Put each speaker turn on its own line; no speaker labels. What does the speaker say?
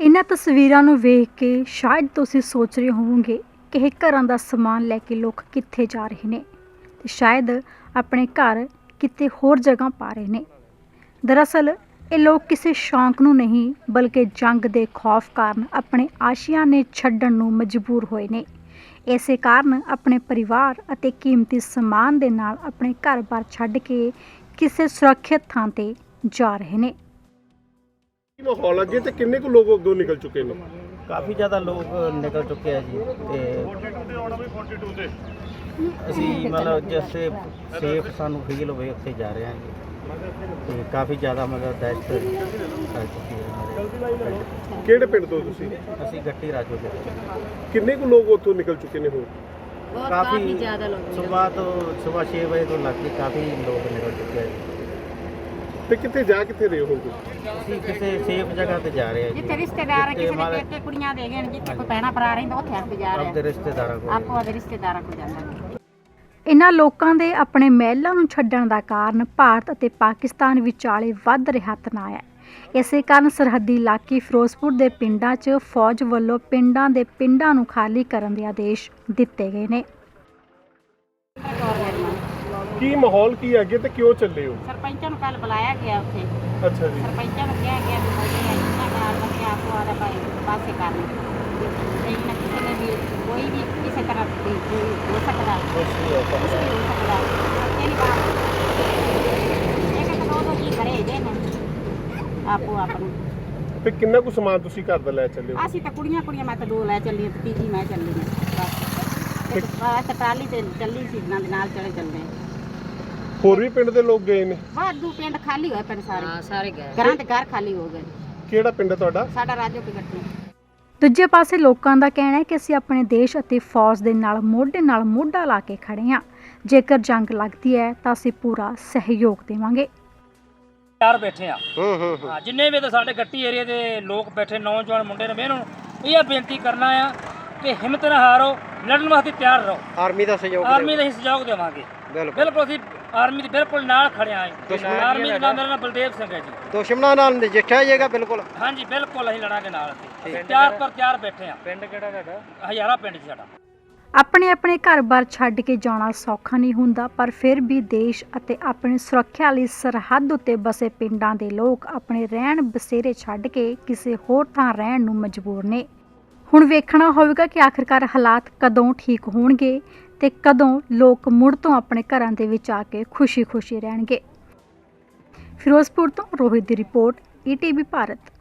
इन्हां तस्वीरां नूं वेख के शायद तुसीं सोच रहे होवोगे कि ਇਹ ਘਰਾਂ ਦਾ ਸਮਾਨ ਲੈ ਕੇ ਲੋਕ ਕਿੱਥੇ ਜਾ ਰਹੇ ਨੇ ਤੇ ਸ਼ਾਇਦ ਆਪਣੇ ਘਰ ਕਿਤੇ ਹੋਰ ਜਗ੍ਹਾ ਪਾ ਰਹੇ ਨੇ। ਦਰਅਸਲ ਇਹ ਲੋਕ ਕਿਸੇ ਸ਼ੌਂਕ ਨੂੰ ਨਹੀਂ ਬਲਕਿ ਜੰਗ ਦੇ ਖੌਫ ਕਾਰਨ ਆਪਣੇ ਆਸ਼ੀਆਨੇ ਛੱਡਣ ਨੂੰ ਮਜਬੂਰ ਹੋਏ ਨੇ। ਇਸੇ ਕਾਰਨ ਆਪਣੇ ਪਰਿਵਾਰ ਅਤੇ ਕੀਮਤੀ ਸਮਾਨ ਦੇ ਨਾਲ ਆਪਣੇ ਘਰ-ਬਾਰ ਛੱਡ ਕੇ ਕਿਸੇ ਸੁਰੱਖਿਅਤ ਥਾਂ ਤੇ ਜਾ ਰਹੇ ਨੇ।
माहौल अगे तो किन्ने को लोग अगों निकल चुके हैं?
काफ़ी ज़्यादा लोग निकल चुके हैं जी। ਅਸੀਂ मतलब जैसे सेफ सानू फील होवे उत्थे जा रहे हैं जी ते काफ़ी ज़्यादा मतलब दहशत फैल चुकी है हमारे।
ਕਿਹੜੇ ਪਿੰਡ ਤੋਂ ਤੁਸੀਂ?
ਅਸੀਂ ਗੱਟੀ ਰਾਜੋ ਦੇ
ਕਿੰਨੇ ਕੁ ਲੋਕ ਉੱਥੋਂ ਨਿਕਲ ਚੁੱਕੇ ਨੇ ਹੁਣ?
काफ़ी ज़्यादा लोग सुबह 6 बजे तो लग के काफ़ी लोग निकल चुके हैं जी।
ਤੇ ਕਿੱਥੇ ਜਾ ਕਿੱਥੇ ਰਹੇ ਹੋ ਤੁਸੀਂ?
ਅਸੀਂ ਕਿਸੇ ਸੇਫ ਜਗ੍ਹਾ ਤੇ ਜਾ ਰਹੇ ਹਾਂ ਜੀ
ਜਿੱਥੇ ਰਿਸ਼ਤੇਦਾਰ ਕਿਸੇ ਦੇ ਪੇਕੇ ਕੁੜੀਆਂ ਦੇ ਗਏ ਜਿੱਥੇ ਕੋਈ ਭੈਣਾ ਭਰਾ ਰਹਿੰਦਾ ਉੱਥੇ ਅਸੀਂ ਜਾ ਰਹੇ
ਆਪਣੇ ਰਿਸ਼ਤੇਦਾਰਾਂ ਕੋਲ
ਆਪੋ ਆਪਣੇ ਰਿਸ਼ਤੇਦਾਰਾਂ ਕੋਲ ਜਾਂਦੇ।
ਇਨ੍ਹਾਂ ਲੋਕਾਂ ਦੇ ਆਪਣੇ ਮਹਿਲਾਂ ਨੂੰ ਛੱਡਣ ਦਾ ਕਾਰਨ ਭਾਰਤ ਅਤੇ ਪਾਕਿਸਤਾਨ ਵਿਚਾਲੇ ਵੱਧ ਰਿਹਾ ਤਣਾਅ ਹੈ। ਇਸੇ ਕਾਰਨ ਸਰਹੱਦੀ ਇਲਾਕੇ ਫਿਰੋਜ਼ਪੁਰ ਦੇ ਪਿੰਡਾਂ 'ਚ ਫੌਜ ਵੱਲੋਂ ਪਿੰਡਾਂ ਨੂੰ ਖਾਲੀ ਕਰਨ ਦੇ ਆਦੇਸ਼ ਦਿੱਤੇ ਗਏ ਨੇ।
ਕੀ ਮਾਹੌਲ ਕੀ ਹੈ ਅੱਗੇ ਤੇ ਕਿਉਂ ਚੱਲੇ ਹੋ?
ਸਰਪੰਚਾਂ ਨੂੰ ਕੱਲ ਬੁਲਾਇਆ ਗਿਆ ਉੱਥੇ।
ਅੱਛਾ ਜੀ।
ਸਰਪੰਚਾਂ ਨੂੰ ਕਿਹਾ ਗਿਆ ਵੀ ਮੋਦੀ ਇਹਨਾਂ ਨਾਲ ਬੰਦੇ ਆਪੋ ਆਦਾ ਪਾਸੇ ਕਰਨ ਤੇ ਇਹਨਾਂ ਕਿਸੇ ਨੇ ਵੀ ਕੋਈ ਵੀ ਕਿਸੇ ਤਰ੍ਹਾਂ ਦੀ ਹੋ ਸਕਦਾ ਕੁਛ ਵੀ ਹੋ ਸਕਦਾ ਇਹ ਬਾਤ ਇਹ ਕਿ ਦੋ ਜੀ ਘਰੇ ਜੇ ਨੇ ਆਪੋ ਆਪਣੀ।
ਤੇ ਕਿੰਨਾ ਕੁ ਸਮਾਨ ਤੁਸੀਂ ਘਰ ਦਾ ਲੈ ਚੱਲੇ ਹੋ?
ਅਸੀਂ ਤਾਂ ਕੁੜੀਆਂ ਮੈਂ ਤਾਂ 2 ਲੈ ਚੱਲੀ ਤੇ ਤੀਜੀ ਮੈਂ ਚੱਲੀ ਹਾਂ ਬਸ ਟਰਾਲੀ ਤੇ ਚੱਲੀ ਸੀ ਇਹਨਾਂ ਦੇ ਨਾਲ ਚੱਲਦੇ।
ਹੋਰ ਵੀ ਪਿੰਡ ਦੇ ਲੋਕ ਗਏ ਨੇ?
ਵਾਧੂ ਪਿੰਡ ਖਾਲੀ ਹੋਏ ਪਿੰਡ ਸਾਰੇ ਸਾਰੇ ਗਏ ਘਰਾਂ ਦੇ ਘਰ ਖਾਲੀ ਹੋ ਗਏ।
ਕਿਹੜਾ ਪਿੰਡ ਹੈ ਤੁਹਾਡਾ?
ਸਾਡਾ ਰਾਜੋ ਕੀ ਗੱਟੀ।
ਦੂਜੇ ਪਾਸੇ ਲੋਕਾਂ ਦਾ ਕਹਿਣਾ ਹੈ ਕਿ ਅਸੀਂ ਆਪਣੇ ਦੇਸ਼ ਅਤੇ ਫੌਜ ਦੇ ਨਾਲ ਮੋਢਾ ਲਾ ਕੇ ਖੜੇ ਹਾਂ। ਜੇਕਰ ਜੰਗ ਲੱਗਦੀ ਹੈ ਤਾਂ ਅਸੀਂ ਪੂਰਾ ਸਹਿਯੋਗ ਦੇਵਾਂਗੇ।
ਤਿਆਰ ਬੈਠੇ ਆ ਹਾਂ ਜਿੰਨੇ ਵੀ ਤਾਂ ਸਾਡੇ ਗੱਟੀ ਏਰੀਆ ਦੇ ਲੋਕ ਬੈਠੇ ਨੌਜਵਾਨ ਮੁੰਡੇ ਨੇ ਮੈਂ ਇਹਨਾਂ ਨੂੰ ਇਹ ਬੇਨਤੀ ਕਰਨਾ ਆ ਕਿ ਹਿੰਮਤ ਨਾ ਹਾਰੋ, ਲੜਨ ਵਾਸਤੇ ਤਿਆਰ ਰਹੋ।
ਆਰਮੀ ਦਾ ਸਹਿਯੋਗ
ਸਹਿਯੋਗ ਦੇਵਾਂਗੇ। ਬਿਲਕੁਲ ਅਸੀਂ ਆਰਮੀ ਦੇ ਬਿਲਕੁਲ ਨਾਲ ਖੜੇ ਆਂ। ਆਰਮੀ ਦਾ ਨਾਮ ਮੇਰਾ ਨਾਮ ਬਲਦੇਵ ਸਿੰਘ ਹੈ ਜੀ।
ਦੁਸ਼ਮਣਾਂ ਨਾਲ ਨਜਿੱਠਿਆ ਜਾਏਗਾ ਬਿਲਕੁਲ।
ਹਾਂਜੀ ਬਿਲਕੁਲ ਅਸੀਂ ਲੜਾਂਗੇ ਨਾਲ। ਅਸੀਂ ਤਿਆਰ ਬੈਠੇ ਆ। ਪਿੰਡ ਕਿਹੜਾ ਤੁਹਾਡਾ? ਹਜ਼ਾਰਾ ਪਿੰਡ ਜੀ ਸਾਡਾ।
ਆਪਣੇ ਘਰ-ਬਾਰ ਛੱਡ ਕੇ ਜਾਣਾ ਸੌਖਾ ਨਹੀਂ ਹੁੰਦਾ, ਪਰ ਫਿਰ ਵੀ ਦੇਸ਼ ਅਤੇ ਆਪਣੀ ਸੁਰੱਖਿਆ ਲਈ ਸਰਹੱਦ ਉੱਤੇ ਬਸੇ ਪਿੰਡਾਂ ਦੇ ਲੋਕ ਆਪਣੇ ਰਹਿਣ ਬਸੇਰੇ ਛੱਡ ਕੇ ਕਿਸੇ ਹੋਰ ਥਾਂ ਰਹਿਣ ਨੂੰ ਮਜਬੂਰ ਨੇ। ਹੁਣ ਵੇਖਣਾ ਹੋਵੇਗਾ ਕਿ ਆਖਿਰਕਾਰ ਹਾਲਾਤ ਕਦੋਂ ਠੀਕ ਹੋਣਗੇ ਤੇ ਕਦੋਂ ਲੋਕ ਮੁੜ ਤੋਂ ਆਪਣੇ ਘਰਾਂ ਦੇ ਵਿੱਚ ਆ ਕੇ ਖੁਸ਼ੀ-ਖੁਸ਼ੀ ਰਹਿਣਗੇ। ਫਿਰੋਜ਼ਪੁਰ ਤੋਂ ਰੋਹਿਤ ਦੀ ਰਿਪੋਰਟ, ETV ਭਾਰਤ।